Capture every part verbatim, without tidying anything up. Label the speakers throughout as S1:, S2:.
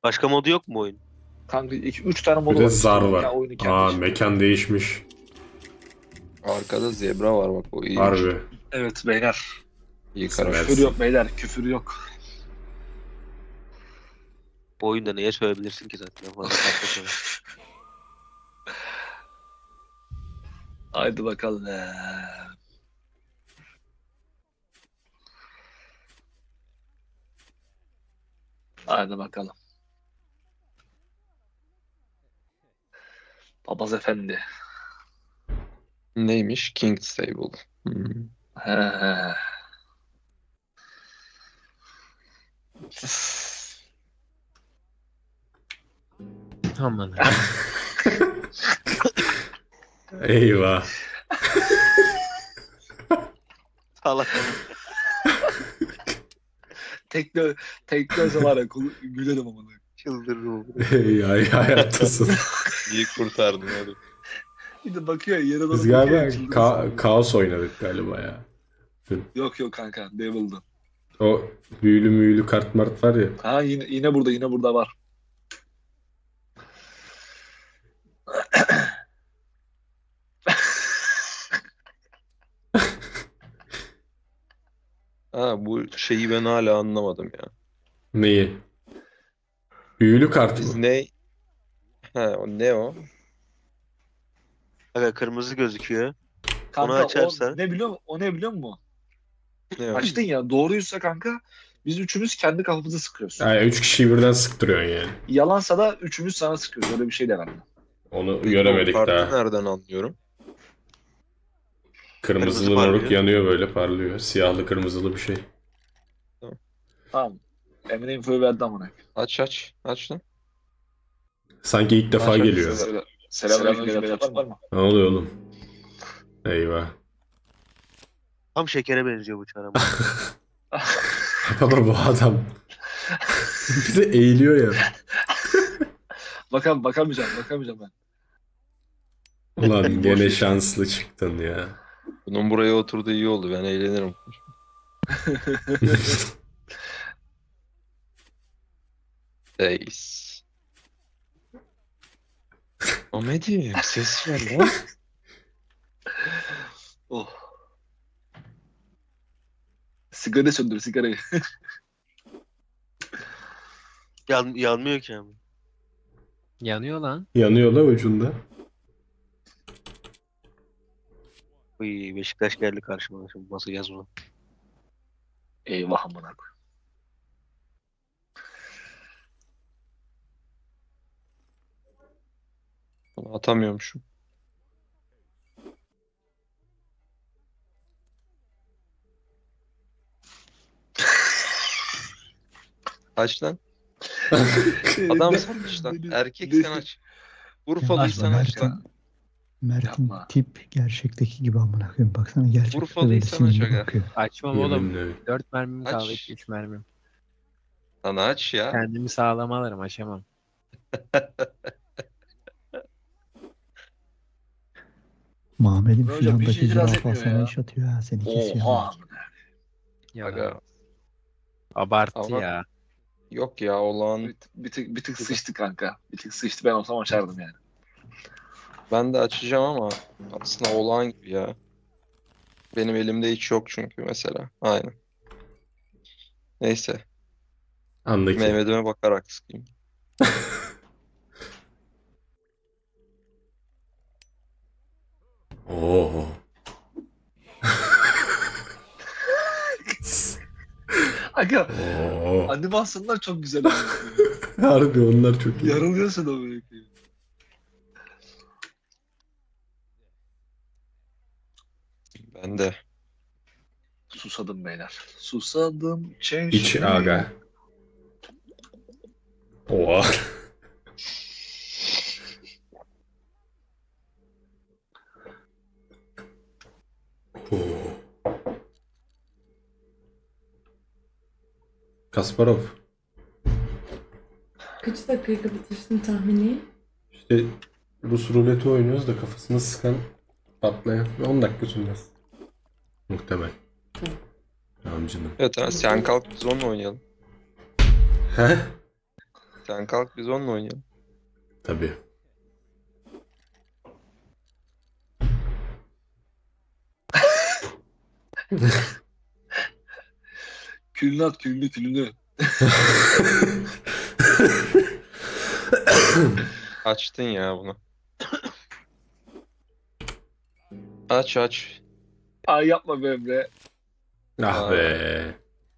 S1: Başka modu yok mu oyun?
S2: Kanka iki üç tane
S3: Bir
S2: modu
S3: de
S2: var.
S3: zar
S2: İşte
S3: var.
S2: mekan, oyunu kendi
S3: Aa
S2: içinde.
S3: mekan değişmiş.
S4: Arkada zebra var bak, o iyiymiş.
S3: Harbi.
S2: Evet beyler.
S4: İyi
S3: Sever.
S4: karar.
S2: Küfür yok beyler. Küfür yok.
S1: Bu oyunda neye söyleyebilirsin ki zaten? Fazla farklı
S2: Haydi bakalım. Haydi bakalım. Papaz Efendi.
S4: Neymiş? King's Table. Hmm.
S2: He he.
S5: Aman.
S3: Eyvah.
S1: Salak.
S2: Tekne, tekne olsa var ya kulu- gülerim amına.
S1: Çıldırırım.
S3: Ey ay hayattasın.
S4: İyi kurtardın hadi.
S2: Bir de bakıyor yere doğru
S3: Biz
S2: bakıyor,
S3: galiba
S2: çıldırırsın.
S3: ka- kaos oynadık galiba ya.
S2: Yok yok kanka Devil'dı.
S3: O büyülü müyülü kart mart var ya.
S2: Ha yine, yine burada yine burada var.
S4: Ha, bu şeyi ben hala anlamadım ya.
S3: Neyi? Büyülü kart
S4: Biz
S3: mı?
S4: ne? Ha, o ne o?
S1: Aga kırmızı gözüküyor.
S2: Kanka
S1: Onu açarsa-
S2: o ne biliyor musun? O ne biliyor musun?
S4: Ne o?
S2: Açtın ya doğruysa kanka biz üçümüz kendi kafamızı sıkıyoruz.
S3: Yani üç kişiyi birden sıktırıyorsun yani.
S2: Yalansa da üçümüz sana sıkıyoruz. Öyle bir şey de var.
S3: Onu
S4: Peki
S3: göremedik
S4: o kartı
S3: daha.
S4: nereden anlıyorum?
S3: Kırmızılı
S1: Kırmızı
S3: moruk
S1: parlıyor.
S3: yanıyor böyle parlıyor. Siyahlı kırmızılı bir şey.
S2: Tamam. Emre infoyu verdi amına.
S4: Aç aç. Aç lan.
S3: Sanki ilk defa
S4: Aç, aç,
S3: geliyor.
S4: aç.
S2: Selamünaleyküm beyler var mı?
S3: Ne oluyor oğlum? Eyvah.
S1: Tam şekere benziyor bu çarım.
S3: Ama bu adam bir de eğiliyor ya.
S2: Bakam bakamayacağım bakamayacağım ben.
S3: Ulan gene şanslı çıktın ya.
S4: Bunun buraya oturduğu iyi oldu. Ben eğlenirim. Ace. Ahmet'im ses ver lan.
S2: Oh. Sigara söndür sigarayı.
S1: Yan, yanmıyor ki ama.
S5: Yanıyor lan.
S3: Yanıyor la ucunda.
S1: Uy, Beşiktaş geldi karşıma. Şimdi basacağız bunu.
S2: Eyvah amına koy.
S4: Bunu atamıyormuşum. Aç lan. Adam sen aç lan. Erkek sen aç. Urfalıysan
S6: Açma,
S4: aç lan.
S6: Mert'in
S2: Yapma.
S6: tip gerçekteki gibi amına koyayım. Baksana gerçekten
S4: Urfalıysan
S6: böyle
S4: aç
S6: sinirli
S4: aga.
S6: bakıyor.
S5: Açmam oğlum.
S3: Yeminle.
S5: dört mermim
S4: Aç.
S5: kaldı. üç mermim.
S4: Lan aç ya.
S5: Kendimi sağlam alırım. Açamam.
S6: Muhammed'in
S2: Hocam, bir şey
S6: filandaki
S2: itiraz
S6: zürafa
S2: etmiyor
S6: sana
S2: ya.
S6: iş atıyor ha seni kesiyor.
S2: Oha.
S5: Yalan.
S4: Aga.
S5: Abarttı
S4: Ama-
S5: ya.
S4: Yok ya olağan.
S2: Bir, bir tık, bir tık sıçtı kanka. Bir tık sıçtı ben olsam açardım yani.
S4: Ben de açacağım ama aslında olağan gibi ya. Benim elimde hiç yok çünkü mesela. Aynen. Neyse.
S3: Andaki.
S4: Mehmet'ime bakarak sıkayım.
S3: Oo.
S2: Aga
S3: Oo.
S2: animasyonlar çok güzel.
S3: Harbi onlar çok iyi.
S2: Yarılıyorsun o böyle.
S4: Ben de.
S2: Susadım beyler. Susadım. Çeşme.
S3: İç aga. Oha. Oo. Kasparov.
S7: Kaç dakikayı kapatırsın tahmini?
S3: İşte Rus ruleti oynuyoruz da kafasını sıkan patlayan. on dakika sürmez. Muhtemel. Tamam canım.
S4: Evet ha, sen kalk biz onunla oynayalım.
S3: He?
S4: Sen kalk biz onunla oynayalım.
S3: Tabii.
S2: Külünü at külünü külünü.
S4: Açtın ya bunu. Aç aç.
S2: Ay yapma be Emre.
S3: Ah be.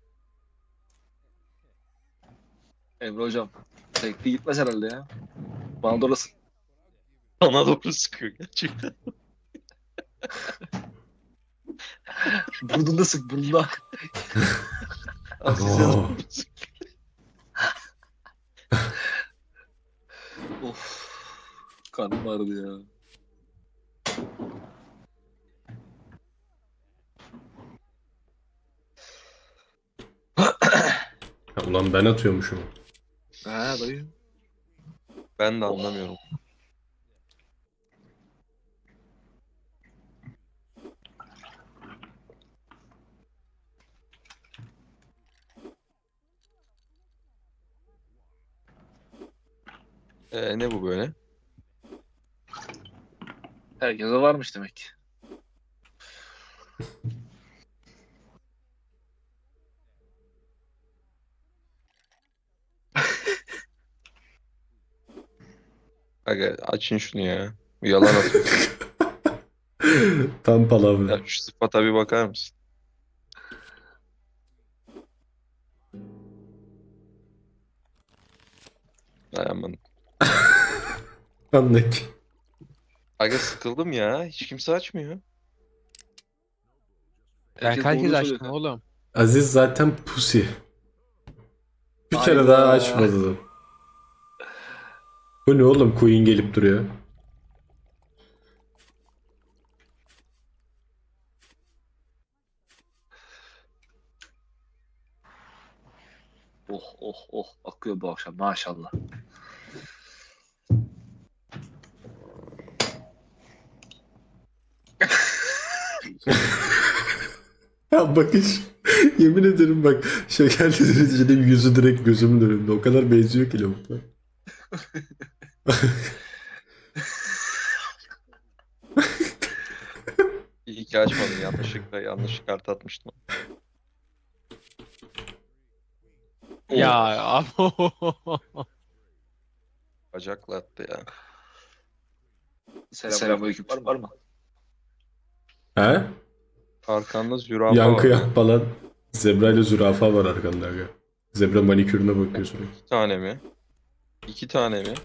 S2: Emre hocam. Tekli gitmez herhalde ya. Bana da orası.
S4: Bana doğru sıkıyor gerçekten.
S2: Burnunda sık burnunda.
S4: Azize
S3: Oo.
S4: doğru sıkıyor.
S2: Of. Karnım ağrıdı ya.
S3: Ha, ulan ben atıyormuşum.
S2: Ha dayı.
S4: Ben de anlamıyorum. Ee, ne bu böyle?
S2: Herkese varmış demek.
S4: Aga açın şunu ya. Bu yalan atıyor.
S3: Tam palavra.
S4: Ya şu sıfata bir bakar mısın? Dayanmadım.
S3: Anlık.
S4: Aga sıkıldım ya. Hiç kimse açmıyor.
S5: Ben
S2: Herkes
S5: herkes
S2: doğru
S5: açtım
S2: söylüyor.
S5: oğlum.
S3: Aziz zaten pusi. Bir kere
S2: Hayda.
S3: daha açmadı. Bu ne oğlum? Queen gelip duruyor.
S2: Oh oh oh akıyor bu akşam maşallah.
S3: Ya bakış. Yemin ederim bak. Şekerli derecede yüzü direkt gözümün önünde. O kadar benziyor ki lavukla.
S4: İyi ki açmadım. Yanlışlıkla yanlış kart atmıştım.
S5: Ya abo.
S4: Bacakla attı ya.
S2: Selamünaleyküm var mı? Var mı?
S3: He?
S4: Arkanda zürafa
S3: Yankı
S4: var.
S3: yap falan. Zebra ile zürafa var arkanda. Aga. Zebra manikürüne bakıyorsun.
S4: İki tane mi? İki tane mi?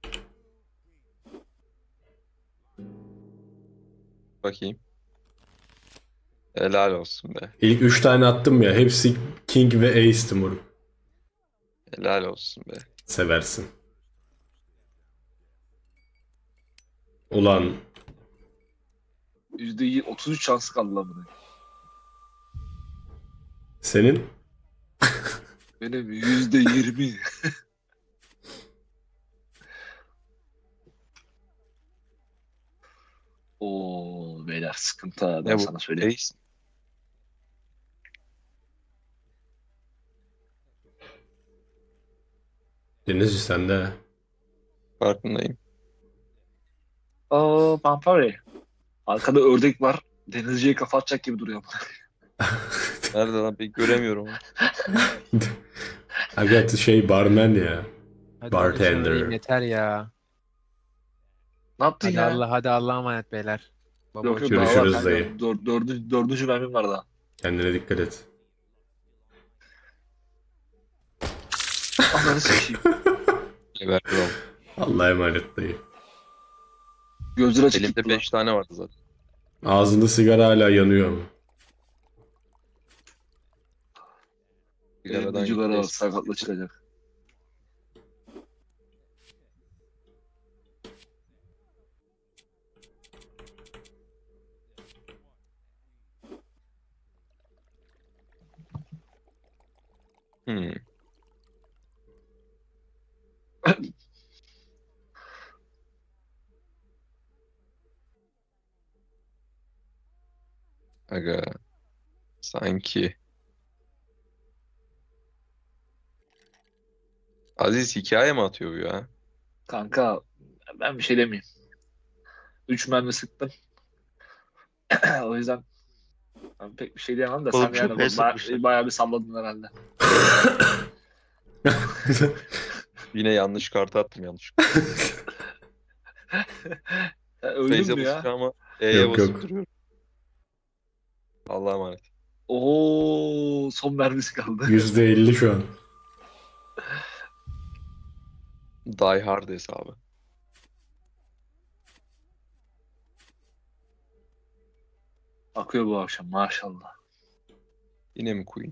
S4: Bakayım. Helal olsun be.
S3: İlk üç tane attım ya. Hepsi King ve Ace'ti moruk.
S4: Helal olsun be.
S3: Seversin. Ulan
S2: yüzde otuz üç şansı kaldı lan bunun.
S3: senin
S2: Benim yüzde yirmi. Oo beyler sıkıntı ha, ben
S4: Ne bu?
S2: sana söyleyeyim.
S4: Ace.
S3: Denizci sende.
S4: Farkındayım.
S2: Aa Pampari. Arkada ördek var. Denizciye kafa atacak gibi duruyor.
S4: Nerede lan? Pek göremiyorum onu.
S3: Aga şey barman ya.
S5: Hadi
S3: Bartender.
S5: konuşamayayım, yeter ya.
S2: Ne yaptın
S5: Hadi
S2: ya?
S5: Allah hadi Allah'a emanet beyler. Baba
S2: Yok yok
S5: hoşça
S2: daha
S3: Görüşürüz
S2: var.
S3: dayı.
S2: Dör, dördüncü, dördüncü mermim var daha.
S3: Kendine dikkat et.
S2: Ananı sikeyim.
S4: Geberdi oğlum.
S3: Allah'a emanet dayı.
S2: Gözleri açık
S4: Elimde
S2: gitti lan.
S4: beş tane vardı zaten.
S3: Ağzında sigara hala yanıyor ama.
S4: Sigaradan
S2: Vücuları var
S4: gitti.
S2: sakatla çıkacak.
S4: Hmm. Aga. Sanki. Aziz hikaye mi atıyor bu ya?
S2: Kanka ben bir şey demeyeyim. Üç mermi sıktım. O yüzden ben pek bir şey diyemem de
S1: Oğlum
S2: sen yani
S1: çok
S2: ba-
S1: iyi sıkmışlar.
S2: bayağı bir salladın herhalde.
S4: Yine yanlış kartı attım yanlış.
S2: Ya, öldün
S4: Feyze
S2: mü ya?
S4: basıyor ama E'ye
S3: Yok,
S4: basıp
S3: yok.
S4: duruyorum. Allah'a emanet.
S2: Oo, son mermisi kaldı.
S3: yüzde elli şu an.
S4: Die Hard hesabı.
S2: Akıyor bu akşam maşallah.
S4: Yine mi Queen?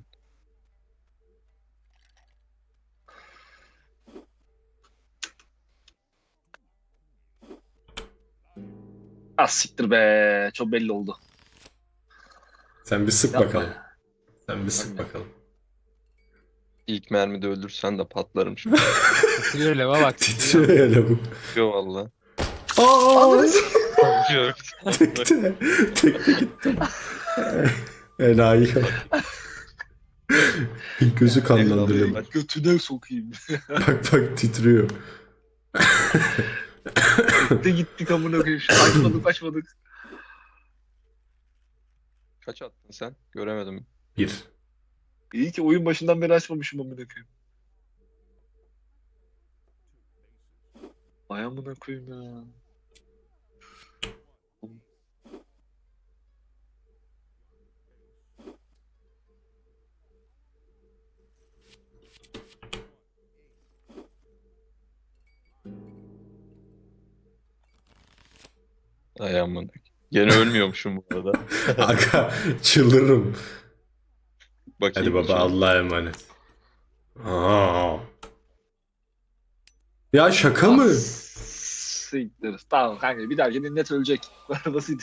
S2: Az siktir be. Çok belli oldu.
S3: Sen bir sık
S2: Yapma.
S3: bakalım. Sen bir sık
S2: Yapma.
S3: bakalım.
S4: İlk mermide öldürsen de patlarım şimdi.
S5: Titriyor lava bak.
S3: Titriyor ya lavuk.
S4: Yok valla.
S3: Aa!
S4: Yok.
S3: Tekte. Tekte gittim. Enayi. Gözü kanlandırıyor.
S4: Bak.
S2: Götüne sokayım.
S3: Bak bak titriyor.
S2: Gitti gittik amına koyayım. Açmadık açmadık.
S4: Kaç attın sen? Göremedim.
S3: Bir.
S2: İyi ki oyun başından beri açmamışım amına koyayım. Ay amına koyayım ya.
S4: Ay aman. Gene ölmüyormuşum bu arada.
S3: Aga çıldırırım.
S4: Bakayım.
S3: Hadi baba
S4: içine.
S3: Allah'a emanet. Aa. Ya şaka mı?
S2: Siktir. Tamam kanka bir dahaki net ölecek. Böyle basit.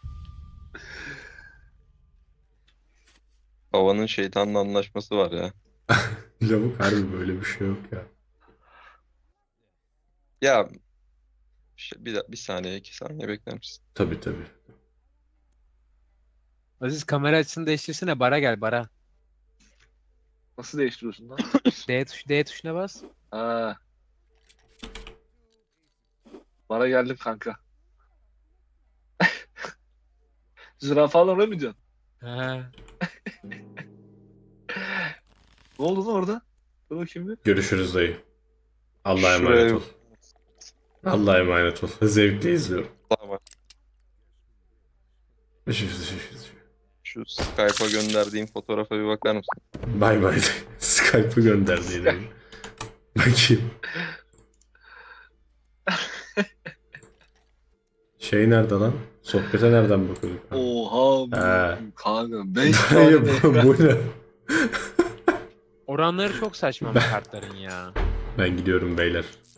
S4: Havanın şeytanla anlaşması var ya.
S3: Lavuk harbi böyle bir şey yok ya.
S4: Ya şey, bir, bir saniye iki saniye bekler misin?
S3: Tabii tabii.
S5: Aziz kamera açısını değiştirsene, bara gel bara.
S2: Nasıl değiştiriyorsun lan?
S5: D tuş D tuşuna bas.
S2: Ha. Bana geldim kanka. Zürafalar oraya mı diyorsun?
S5: Ha.
S2: Ne oldu lan orada? Dur bakayım bir.
S3: Görüşürüz dayı. Allah'a
S4: Şuraya-
S3: emanet ol. Allah'a emanet ol. Zevkle izliyorum.
S4: Tamam. Şu Skype'a gönderdiğim fotoğrafa bir bakar mısın?
S3: Bay bay. Skype'ı gönderdi yine. Bakayım. Şey nerede lan? Sohbete nereden bakıyorduk?
S2: Oha bu
S3: Ha.
S2: kanka. Beş
S3: Dayı
S2: tane.
S3: bu, bu ne?
S5: Oranları çok saçma bu kartların ya.
S3: Ben gidiyorum beyler.